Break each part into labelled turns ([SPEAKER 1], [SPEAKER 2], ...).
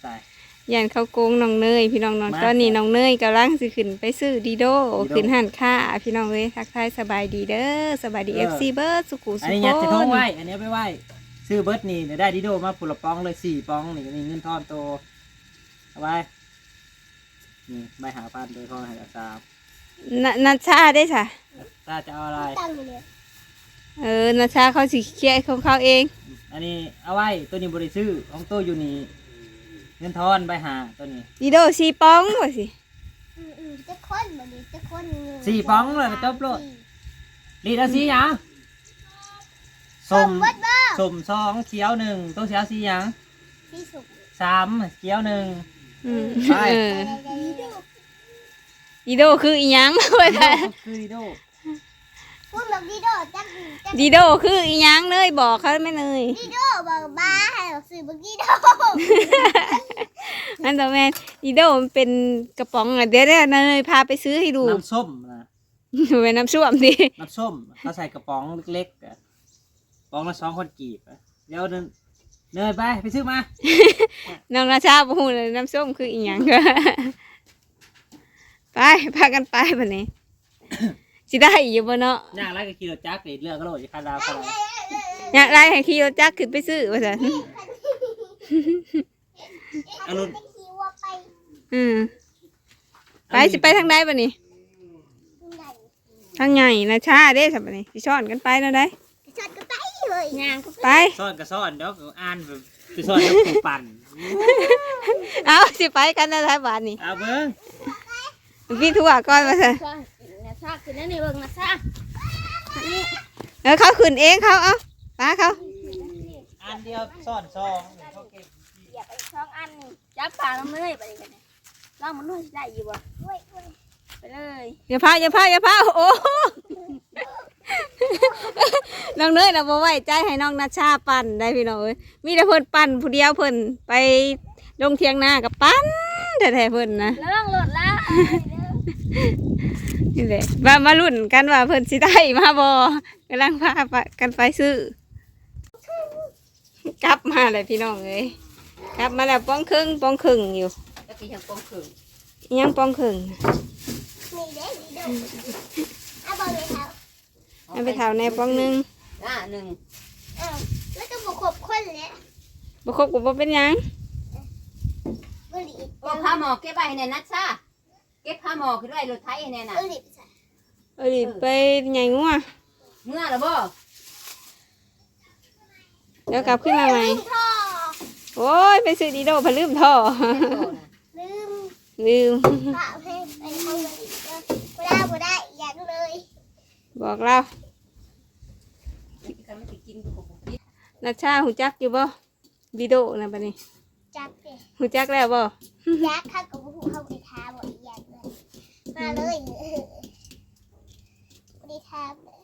[SPEAKER 1] ตาย
[SPEAKER 2] ยันเขาโกงน้องเนยพี่น้องตอนนี้น้องเนยกำลังสิขึ้นไปซื้อดีโดขึ้นหันค่าพี่น้องเลยทักทายสบายดีเด้อสบายดีFCเบิร์ดสุขุสุข
[SPEAKER 1] อันนี้ยัดจะท้องไว้อันนี้ไปไหว้ซื้อเบิร์ดนี่ได้ดิโดมาผุละปองเลย4 ปองนี่มีเงินทอนโตเอาไว้นี่ใบหาพันโดยพ่อให้อาจารย์
[SPEAKER 2] นัชชาได้ค่ะ
[SPEAKER 1] ถ้าจะเอาอะไร
[SPEAKER 2] นัชชาเขาสิเคลียร์ของเขาเอง
[SPEAKER 1] อันนี้เอาไว้ตัวนี้บริซื้อของตัวอยู่นี่เงินทอนใบหาตัวนี้
[SPEAKER 2] ดีโด4 ปองว่าสิ
[SPEAKER 3] จะคนบ่ดีจะคน
[SPEAKER 1] 4 ปองเลยจบโลดดีแล้วสีหยังส้ม2เขียว1ตัวเขียวสีหยัง
[SPEAKER 3] สีสุก
[SPEAKER 1] 3เขียว1ไป
[SPEAKER 2] ดีโดคืออีหยังว่าซั่น
[SPEAKER 1] คือดีโด
[SPEAKER 3] พูดแบบดีโดจัก
[SPEAKER 2] ดีโดคืออีหยังเลยบอกเขาไม่เลย
[SPEAKER 3] ดีโดบอกบ้าให้เราซื้อบักดีโด
[SPEAKER 2] นั่นตัวแม่ดีโดมันเป็นกระป๋องเดี๋ยวเนยพาไปซื้อให้ดู
[SPEAKER 1] น้ำส้มนะ
[SPEAKER 2] เป็นน้ำส้มดิ
[SPEAKER 1] น้ำส้มเขาใส่กระป๋องเล็กๆกระป๋องละ2 คนกีบเดี๋ยวเนยไปซื้อมา
[SPEAKER 2] น้องราชาพูดเลยน้ำส้มคืออีหยังไปพากันไปแบบนี้สิได้อยู่บ่เนาะ
[SPEAKER 1] อยากไล่กับขี่รถจักรเลือกก็โหลดจะคาดาวก็ได้
[SPEAKER 2] อยากไล่ให้ขี่รถจักรขึ้นไปซื้อว่าซั่น
[SPEAKER 1] อารมณ์
[SPEAKER 2] ไปสิไปทางใดบัดนี้ทางใหญ่นะชาเด้ซั่นบัดนี้สิช้อนกันไปแล้วได้
[SPEAKER 3] ช้อนก็ไปเลยย่าง
[SPEAKER 2] ไป
[SPEAKER 1] ซ่อนก็ซ่อนเดี๋ยวอ่านไปซ่อนแล้วปูปั่น
[SPEAKER 2] เอาสิไปกันได้บาดนี้
[SPEAKER 1] เอาเบิ่ง
[SPEAKER 2] พี่ทั่วก่อนว่าซั่น
[SPEAKER 3] นะชาขึ้นนั่นนี่เบิ่งนะชา
[SPEAKER 2] เขาขึ้นเองเขาเอาป้าเขา
[SPEAKER 1] อันเดียวซ่อน2เขาเก็บ
[SPEAKER 3] อย่าไป2 อันนี่จับปลาลงเลยไปกันนี่ลองมันนู่นได้อยู่บ่ไปเลย
[SPEAKER 2] อย่าพาโอ้น้องเนยเราบ่ไว้ใจให้น้องนัชชาปั่นได้พี่น้องเอ้ยมีแต่เพิ่นปั่นผู้เดียวเพิ่นไปลงเทียงนากับปั่นแท้ๆเพิ่นนะ
[SPEAKER 3] เรื่องรถละ
[SPEAKER 2] นี่แหละมาลุ้นกันว่าเพิ่นสิได้มาบ่กำลังพากันไปซื้อกลับมาเลยพี่น้องเอ้ยกลับมาแล้วป้องครึ่งอยู่
[SPEAKER 1] แล้วก็ยังป้องครึ่ง
[SPEAKER 2] ยังป้องครึ่ง
[SPEAKER 3] นี่เด้ดีดูเอาบ่ไปเท่า
[SPEAKER 2] เอาไปเท่าในป้อง1
[SPEAKER 3] แล้วก็บ่ครบคนแล้ว
[SPEAKER 2] บ่ครบก็บ่เป็นหยัง
[SPEAKER 3] บ่หลี
[SPEAKER 4] โอ้ผ้าหมอกเก็บไว้ให้แน่นัดซ่าเก็บผ้าหมอกขึ้นไว้รถไถให้แน่น่ะ
[SPEAKER 2] ไปใหญ่งัว
[SPEAKER 4] เมื่อแล้วบ่
[SPEAKER 2] เดี๋ยวกลับขึ้นมาใหม่โอ้ยไปซื้อดีโดพลืมท่อลืม
[SPEAKER 3] ฝากให้ไปทำอีกบ่ได้อย่างเลย
[SPEAKER 2] บอกเรานัชชาหูจักอยู่บ่ดีโดนะบัดนี้
[SPEAKER 3] จักดิ
[SPEAKER 2] หูจักแล้วบ่
[SPEAKER 3] จักข้ากับหูเข้าไปท้าบ่อีอย่างเลยมาเลยบ่ได้ท้า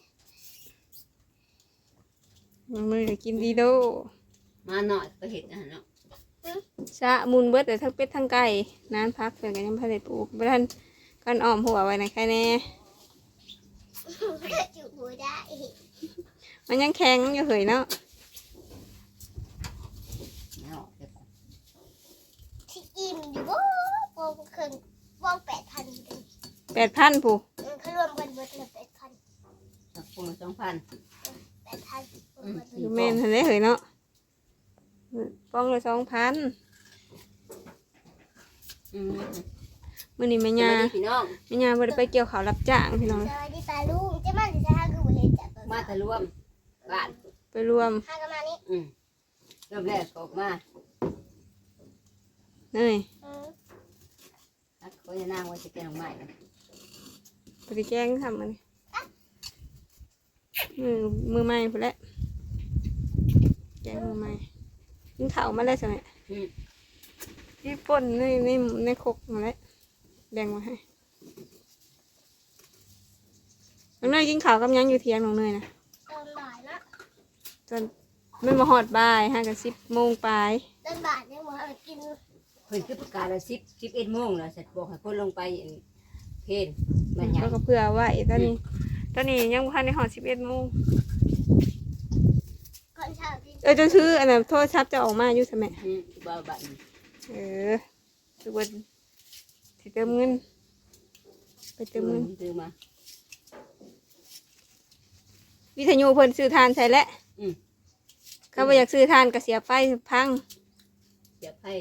[SPEAKER 2] มือกินดีโด
[SPEAKER 4] มาหน่อยไปเห็ดเนาะ
[SPEAKER 2] ชะมุนเบิดแต่ทั้งเป็ดทั้งไก่นานพักเป็นกันยังพาได้ปลูกบ่ทันกันอ้อมหัวไว้ในแค่แน่
[SPEAKER 3] จุหัวได้
[SPEAKER 2] มันยังแข็งอยู่เหยเนาะ
[SPEAKER 3] ที่อิ่มอยู่บ่ปองครึ่งปอง
[SPEAKER 2] 8,000ผู้
[SPEAKER 3] เขารวมกันเบิดเลย8,000
[SPEAKER 4] สักคน2,000
[SPEAKER 2] แม่นทันได้เหยเนาะป้องเลย2,000มื้อนี้แม่ย่าบ่ได้ไปเกี่ยวข้าวรับจ้างพี่น้อง
[SPEAKER 3] สวัสดีตาลุงเจ้ามันสิหาคือบ่เห็นจัก
[SPEAKER 4] มาแต่รวมบ้าน
[SPEAKER 2] ไปรวม
[SPEAKER 3] หากันมานี่
[SPEAKER 4] เริ่มแรกออกมา
[SPEAKER 2] เนย
[SPEAKER 4] เขาจะนั่งไว้จะแกงใหม่
[SPEAKER 2] ไปแกงทำมันมือใหม่พอแล้วแกงมือใหม่กินข้าวมาได้ใช่ไหมที่ป่นในคกมาแล้วแบ่งมาให้น้องเนยกินข้าวกับยังอยู่เที่ยงน้องเนยนะ
[SPEAKER 3] ตอนบ่ายนะ
[SPEAKER 2] จนไม่มาหอดบ่าย5 กับ 10 โมงปลาย
[SPEAKER 3] ตอนบ่ายยังบ่ให้กิน
[SPEAKER 4] เพิ่นคือประกาศว่า11 โมงแล้วเสร็จบอกให้คนลงไปเพลมันยัง
[SPEAKER 2] ก็เพื่อไว้ตอนนี้ยังพันในหอ11 โมงจนซื้ออันนั้นโทรศัพท์จะออกมาอยู่ใช่ไหม
[SPEAKER 4] บ่บัด
[SPEAKER 2] ทุกวันสิเติมเงินไปเติมเงิน
[SPEAKER 4] ซื้อมา
[SPEAKER 2] วิทยุเพิ่นซื้อทานใส่แล้ว เขาบ่อยากซื้อทานก็เสียไปพัง
[SPEAKER 4] เสียบให้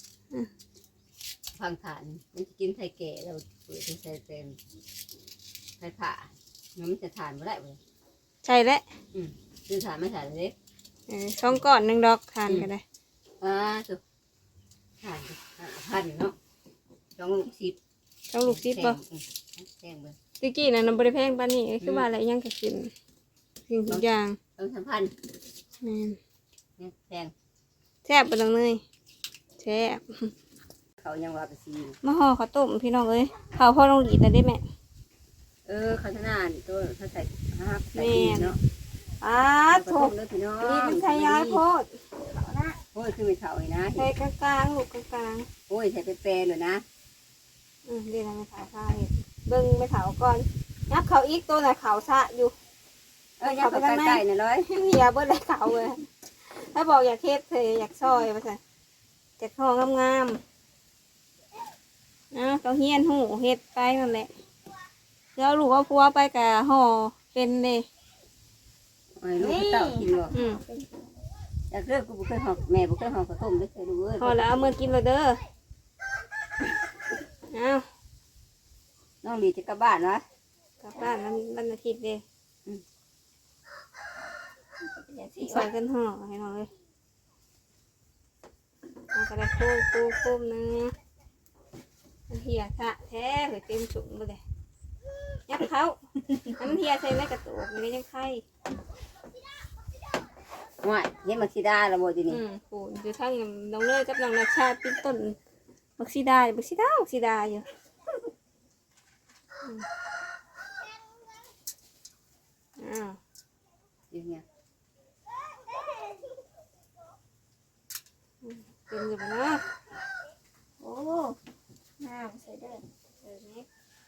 [SPEAKER 4] พังฐานมันจะกินไทยแก่เราเปิดใส่เต็มไทยผ่ามันจะทานไม่ได้เลย
[SPEAKER 2] ใช่แล้ว
[SPEAKER 4] ซื้อทานไม่ทานเลย
[SPEAKER 2] 2 ก้อน1 ดอกทานก็ได้
[SPEAKER 4] สุดทาน1,000เนาะ2 ลูก 10
[SPEAKER 2] 2 ลูก10บ่
[SPEAKER 4] แพงเลย
[SPEAKER 2] ตะกี้น่ะบ่ได้แพงปานนี้คือว่าอะไรยังก็กินสิ่งทุกอย่าง
[SPEAKER 4] 2-3,000
[SPEAKER 2] แม่น
[SPEAKER 4] เนี่ยแพง
[SPEAKER 2] แซ่บบ่ต้องเลยแซ่บ
[SPEAKER 4] เขายังว่าไปซี
[SPEAKER 2] มาห่อข้าวต้มพี่น้องเอ้ยข้าวพ่อลงหลีดได้แม่
[SPEAKER 4] เขาชนะนี่ตัวเขาใส่ใส่เนาะ
[SPEAKER 2] โถ
[SPEAKER 4] กเลยพี่น้อง
[SPEAKER 2] นี่มันใช้ย้ายโพด
[SPEAKER 4] โอ้ยคือไม่เท่าเลยนะ
[SPEAKER 2] ใช้กลางๆลูกกลาง
[SPEAKER 4] โอ้ยใส่แปรเลยนะ
[SPEAKER 2] ๆเดี๋ยวเราไม่ถาวซ่าเห็ดเบิ่งไม่ถาวก่อนยับเขาอีกตัวน่ะเขาซะอยู่
[SPEAKER 4] อย่าไปใกล้ๆนะร้อย
[SPEAKER 2] เหียเบิ่ได้เขาเลยถ้าบอกอยากเฮ็ดเธออยากซอยว่าซั่นอยากห่องามๆต้องเฮียนหูเฮ็ดไปนั่นแหละแล้วลูกเอาพัวไปกับห่อเป็นเด้
[SPEAKER 4] โอ้ยลูกเต่ากินบ่ อยากเลิกกูบุเคยหอกแม่บุเคยหอกกระต้มไม่เคยดูเว้ย
[SPEAKER 2] ห่อแล้วเอามือกินเลยเด้อเอา
[SPEAKER 4] น้องดีจะกลับบ้านวะ
[SPEAKER 2] กลับบ้านวันอาทิตย์เด้ใส่กันห่อให้หน่อยเลยเอากระดาษโค้งนึงมันเหี่ยสะแท้เลยเต็มถุงไปเลยยับเขาอันมันเหี่ยใส่ในกระตุกมันก็ยังไข่
[SPEAKER 4] ง่ายเห็นมักซิดาละโบจีนี่
[SPEAKER 2] โหอยู่ทั้งน้องเนยกับน้องนาชาเป็นต้นมักซีดาอยู่อ้าว
[SPEAKER 4] อย่างเงี้ย
[SPEAKER 2] เต็มอยู่นะ
[SPEAKER 3] โอ้น้ำใส่เด้อ
[SPEAKER 2] นี่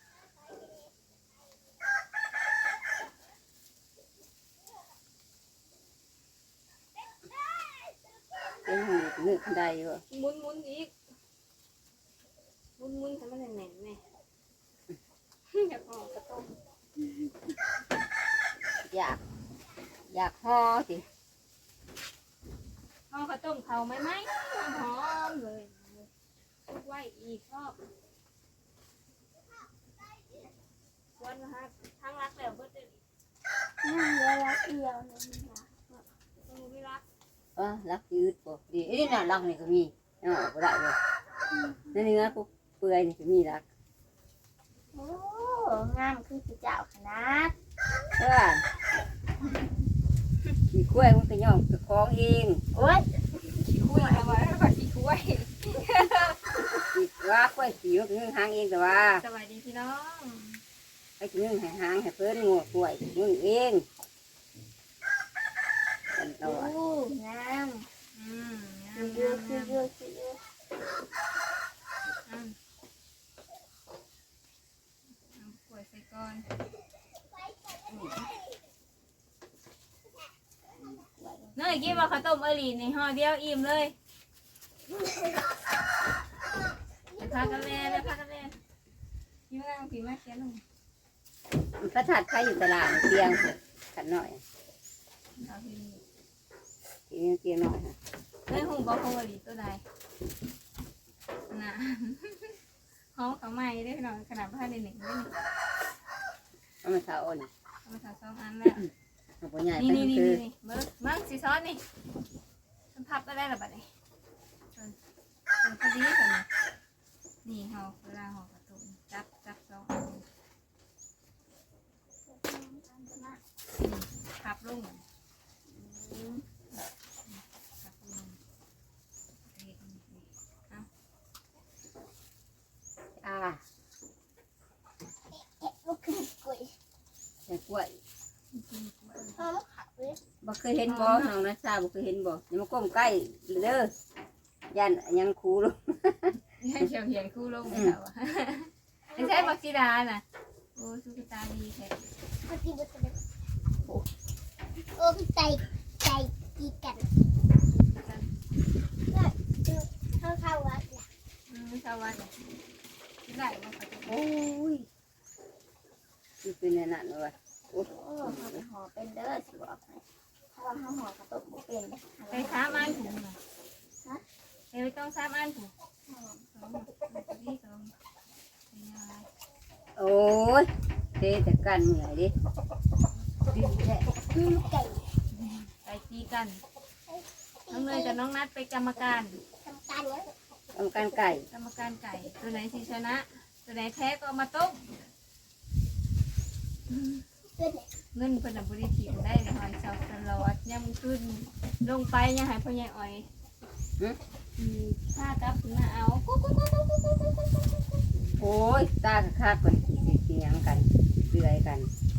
[SPEAKER 4] เป็นหูนึกขันใดอยู่
[SPEAKER 2] มุนอีกมุนให้มันแน่นๆแม่อยากห่อกระต้ม
[SPEAKER 4] อยากห่อสิ
[SPEAKER 2] ห่อกระต้มเขาไหมหอมเลยทุกไว้อีกรอบวันนะฮะทั้งรักแล้วเบิดเลย
[SPEAKER 3] น้ำเยอะแล้วเดียวนึงนะ
[SPEAKER 2] ไม่รัก
[SPEAKER 4] รักยืดบ่ดีไอ้นี่น่ะรักนี่ก็มีเนาะบ่ได้เลยนั่นเนื้อปุ๊บเปื่อยนี่ก็มีรัก
[SPEAKER 3] โอ้งามคือสีเจ้าขนาด
[SPEAKER 4] เพื่อนขี่กล้วยมันก็ย่องกระคองเอง
[SPEAKER 3] โอ้ย
[SPEAKER 2] ขี้คุยเอาไว้ก่อนขี้คุย
[SPEAKER 4] ขี่ว่ากล้วยขี่มันก็นึ่งหางเองแต่ว่า
[SPEAKER 2] สวัสดีพี่น้อง
[SPEAKER 4] ให้นึ่งให้หางให้เพิ่นงัวกล้วยนึ่งเองกันต
[SPEAKER 3] โอ้
[SPEAKER 4] ลอด
[SPEAKER 3] งาม
[SPEAKER 2] งาม
[SPEAKER 3] เยอะคือเยอะคือเยอะ
[SPEAKER 2] กล้วยใส่ก่อนเนยกินว่าข้าวต้มอลีในห่อเดียวอิ่มเลยไปพากันแล่พี่มาพี่มาเขียนลง
[SPEAKER 4] พระธาตุใครอยู่ตลาดเตียงขันหน่อย
[SPEAKER 2] เอาพี่
[SPEAKER 4] เตียงหน่อยค่ะ
[SPEAKER 2] เนยหูบอกของอลีตัวใดน่ะห้องเขาใหม่ได้พี่น้องขนาดผ้าในหนึ่งได้หนึ่ง
[SPEAKER 4] เอามาเท้าอ่อน
[SPEAKER 2] เอามาทำ2 อันแล้ว
[SPEAKER 4] เอาปัญญา
[SPEAKER 2] นี่
[SPEAKER 4] ไป
[SPEAKER 2] นี่
[SPEAKER 4] คือ
[SPEAKER 2] เบิ้งสีซ้อนนี่มันพับก็ได้หรอบัดนี้พอดีกันนี่ห่อเวลาห่อกระตุ้นจับ2 อันพับลงพับลง
[SPEAKER 3] ลูกคือกล้วย
[SPEAKER 4] ใส่กล้วย
[SPEAKER 3] หอมขาวเลย
[SPEAKER 4] บ่เคยเห็นบ่น้องนะชาบ่เคยเห็นบ่อย่ามาก้มใกล้เด้อย่านยังคูลง
[SPEAKER 2] เขียวเขียนคู่ลงไม่เอาไม่ใช่บักซีดาน่ะโอ้สุกิตาดีแท้
[SPEAKER 3] เมื่อกี้มันจะเป็นโอ้ใจกีกันเข้าวัดล่ะ
[SPEAKER 2] ชาวบ้านได้บ่เขาจะ
[SPEAKER 4] โอ้ยคือเป็นนั่นเลยโอ้
[SPEAKER 3] โอ้เขาไปห่อเป็นเด้อสิบอกให้ถ้าว่าเขาห่อกระตุกบ่เป็น
[SPEAKER 2] ไป3 อันถูกน่ะฮะเอ้ยต้อง3 อันถูก2นี่2
[SPEAKER 4] โอ้ยเตะแต่กันเหนื่อยดิดิ้นแท้
[SPEAKER 3] ไก่
[SPEAKER 2] ไปตีกันน้องเนยกับน้องนัดไปกรรมการ
[SPEAKER 3] ทำการเนี้ย
[SPEAKER 4] ทำการไก่
[SPEAKER 2] กรรมการไก่ตัวไหนที่ชนะ ตัวไหนแพ้ก็เอามาต้ม
[SPEAKER 3] เพื่อนเนี่ย
[SPEAKER 2] เงินเพิ่นน่ะบ่ได้ถิ่มได้เลยหอยเสาตลอดย่ำขึ้นลงไปยังให้พ่อใหญ่อ้อยผ้ากลับขึ้นมาเอากุ๊กกุ๊กกุ๊กกุ๊กกุ๊กกุ๊กกุ๊กกุ๊กกุ๊ก
[SPEAKER 4] โอ้ยตาคักกันเสียงกันเรื่อยกัน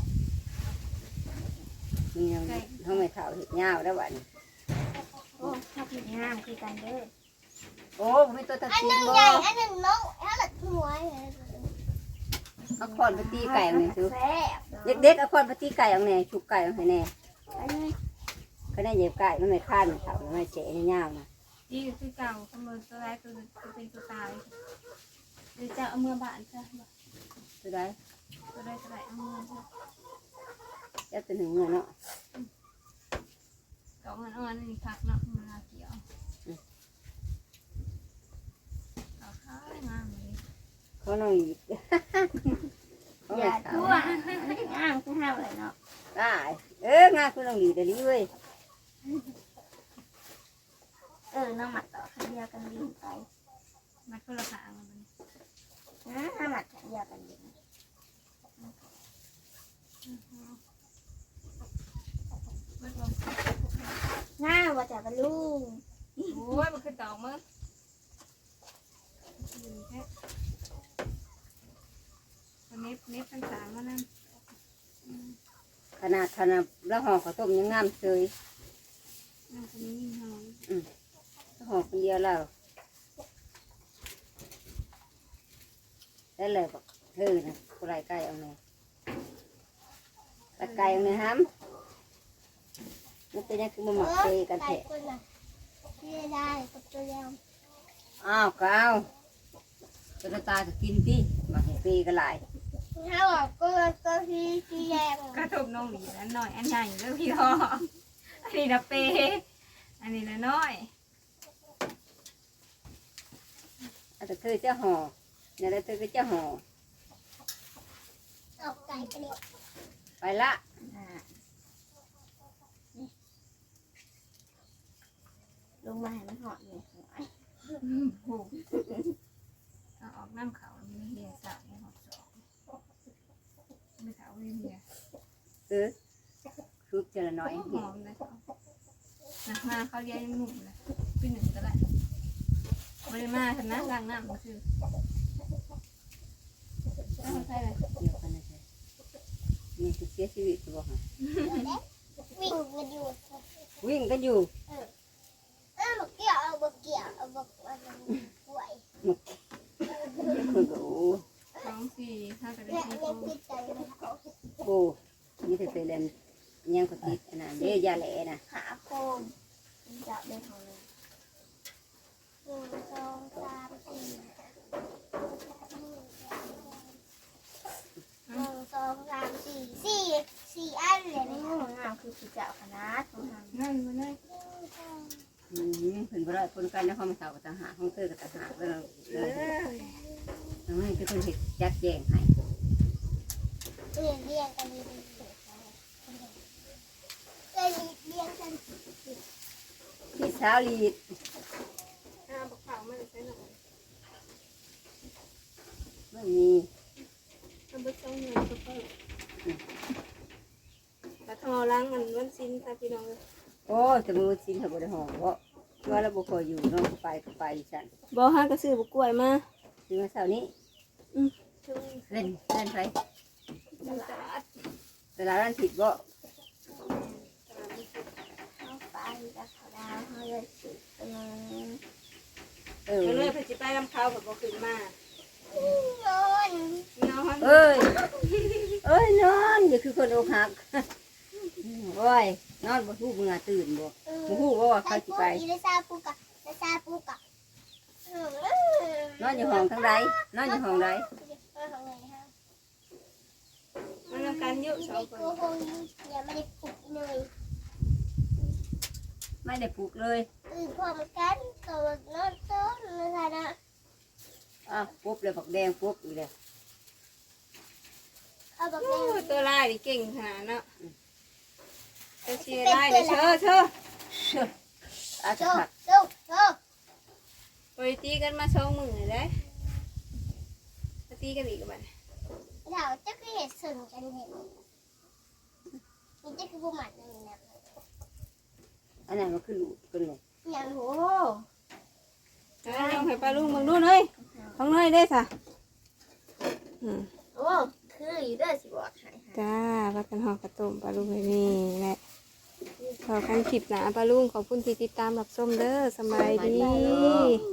[SPEAKER 4] มียังเขาไม่เท่าเห็ดยาวแล้ววัน
[SPEAKER 3] โอ้ถ้าผิดงามคือกันเด้อ
[SPEAKER 4] โอ้ไม่ตัวตะ
[SPEAKER 3] อัน
[SPEAKER 4] ซี
[SPEAKER 3] หนึ่ง
[SPEAKER 4] บ่
[SPEAKER 3] ใหญ่อันหนึ่งน้องถ้าหลัดหัว
[SPEAKER 4] เอาคอนไปตีไก่เอาไงซื้อ
[SPEAKER 3] แซ่บ
[SPEAKER 4] เด็กๆเอาคอนไปตีไก่เอาไงชุบไก่เอาไงแน่
[SPEAKER 3] อันนี้
[SPEAKER 4] ก็ได้เหยียบไก่มันไม่ข้านเท่ามันไม่เฉะยาวนะ
[SPEAKER 2] ดีคือเก่าเสมอตัวร้ายตัวเป็นตัวตายหรือจะเอาเมื่อบานซะ
[SPEAKER 4] ตัวได้
[SPEAKER 2] ตัวได้ตัวได้เอาเมื่อซะ
[SPEAKER 4] จะเป็นถึงเงินเนาะ
[SPEAKER 2] เก่ามันอ่อนนี่พักเนาะมันลาเกี่ยวเอาข้าวงามเลย
[SPEAKER 4] เขาน้องหยิบเขา
[SPEAKER 3] อ
[SPEAKER 4] ไม่
[SPEAKER 3] ย่า
[SPEAKER 4] เท่า
[SPEAKER 3] ทั่วงามคือห้าเลยเนาะ
[SPEAKER 4] ได้งานคุณน้องหยิบแต่ดีเว้ย
[SPEAKER 3] น้องหมัดต่อขันเดียวกันดีไป
[SPEAKER 2] มัดคนละขางมัน
[SPEAKER 3] น้าหมัดขันเดียวกันดี
[SPEAKER 2] มัดลง
[SPEAKER 3] หน้าว่าจะเป็นลูก
[SPEAKER 2] โอ้ยมันคือตอกมึงเน็บทั้งสามมันนั่น
[SPEAKER 4] ขนาดแล้วห่อข้าวต้มยังงามเลย
[SPEAKER 2] นั่นคนนี้ยิ่งหอม
[SPEAKER 4] ห่อคนเดียวแล้วได้เลยบอกนะกูไรไก่เอาไงตะไก่เอาไงฮัมมันเป็นยังคือมันหมักเตกันแทะ
[SPEAKER 3] คนน่ะที่ได้กับตัวยาว
[SPEAKER 4] อ้าวก็เอาตัวตาก็กินที่มาให้เตกันหลาย
[SPEAKER 3] ถ้าบอกก็ที่แรง
[SPEAKER 2] กระทบน้องหลีนั้นหน่อยอันใหญ่เรื่องพี่ทออันนี้นะเปอันนี้นะน้อย
[SPEAKER 4] แต่เธอจะห่อเนี่ยแล้วเธอก็จะห่อ
[SPEAKER 3] ออกไก่ไปเลย
[SPEAKER 4] ไปละ
[SPEAKER 3] ลงมาให้มันหอดเลย
[SPEAKER 2] ผูกเอาออกน้ำเขามีเฮียสาวในหอบสองไม่เขาไม่เฮีย
[SPEAKER 4] ชุบเจละน้อย
[SPEAKER 2] หอมนะเขาหนักมาเขาเลี้ยงหนุ่มนะปีหนึ่งก็ได้บริมาทำนะล้างน้ำก็คือน้ำใช่เลย
[SPEAKER 4] เดียวกันนะจ๊ะนี่คือเสียชีวิตตัวค่ะ
[SPEAKER 3] วิ่งกันอยู่
[SPEAKER 4] วิ่งกันอยู่
[SPEAKER 3] บอกเกี่ยวบอกเกี่ยวบอกป่วย
[SPEAKER 4] คือก็โอ้
[SPEAKER 2] 2 4 5จะได้
[SPEAKER 3] เนี่ย
[SPEAKER 2] 4
[SPEAKER 3] เล่นติดใจเลยเขา
[SPEAKER 4] โอ้นี่เธอเล่นยังก็ติดนะเดี๋ยวยาแหล่นะ
[SPEAKER 3] หาโคมจับได้ของเลย1 2 3 4 1 2 3 4 4อันเลยในห้องน้ำคือผู้เจ้าคณะของทาง
[SPEAKER 2] นั่นมาเลย
[SPEAKER 4] ถึงเวลาคนกันแล้วเขามาสาวกับทหารห้องเตอร์กับทหารแล้วเราไม่เป็นคนเห็ดจัดแจงให้
[SPEAKER 3] เรียงกันดีเรียงกัน
[SPEAKER 4] พี่สาวลีด
[SPEAKER 2] บอกเขาไม่ได้ใช้หน่อย
[SPEAKER 4] ไม่มี
[SPEAKER 2] มันไม่ใช่เงินก็เพิ่มแต่ทอล้างมันซินตาพี่น้องเลย
[SPEAKER 4] โอ้จะมือชิ้นเขาบริหารเพราะว่าเราบุคอยอยู่น้องไปฉัน
[SPEAKER 2] บ่ฮะก็ซื้อบุกล้วยมา
[SPEAKER 4] ซื้อมาเสาร์นี้เล่นไปตลาดร้านผิดบ่
[SPEAKER 3] เอาไปกับเขาดาวเขาเลยสุดกัน
[SPEAKER 2] ก็เลยพจิไปลำเขาแบบบ่ขึ้นมา
[SPEAKER 3] โยน
[SPEAKER 2] นอน
[SPEAKER 4] เอ้ยนอนอย่าคือคนอกหักโอ้ยนอนบ่ฮู้มึงตื่นบ่บ่ฮู้ว่าเขาสิไป
[SPEAKER 3] ได้ซาปูกะได้ซาปูกะ
[SPEAKER 4] นอนอยู่ห้องทั้งใดนอนอยู่ห้องใด
[SPEAKER 2] มันทำการเยอะสองคน
[SPEAKER 3] อย่าไม่ได้ปลุกเลย
[SPEAKER 4] ไม่ได้ปลูกเลย
[SPEAKER 3] ตื่นพร้อมกันตัวนอนโต๊ะนะคะนะ
[SPEAKER 4] ปุ๊บเลยผักแดงปุ๊บอีกเลย
[SPEAKER 3] เอาแบบ
[SPEAKER 2] โอ้
[SPEAKER 3] นี้
[SPEAKER 2] ตัวลายนี่เก่งขนาดเนาะตัวเชียร์ลายนี่เชอ
[SPEAKER 4] อาจ
[SPEAKER 3] โช
[SPEAKER 4] จะ
[SPEAKER 3] ว์
[SPEAKER 4] ผัก
[SPEAKER 3] โชว์โชว์
[SPEAKER 2] ไปตีกันมา2 มื้อเลยมาตีกันอีกบัด
[SPEAKER 3] เราจะคือเห็ดส่วนกันเห็นนี่จะคือผู้หมันนี่นะ
[SPEAKER 4] อันนั้นมันคือลูกกันเลย
[SPEAKER 3] อย่างโห
[SPEAKER 2] ลองให้ปลาลุงมึงดูหน่อยของหน่อยได้ซะ
[SPEAKER 3] โอ้คืออยู่ด้วยสิบอกให้
[SPEAKER 2] จ้าพักกันห่อกระต้มปลาลุงเลยนี่แหละขอกันคลิปหนาปลาลุงขอบคุณที่ติดตามรับชมเด้อสบายดี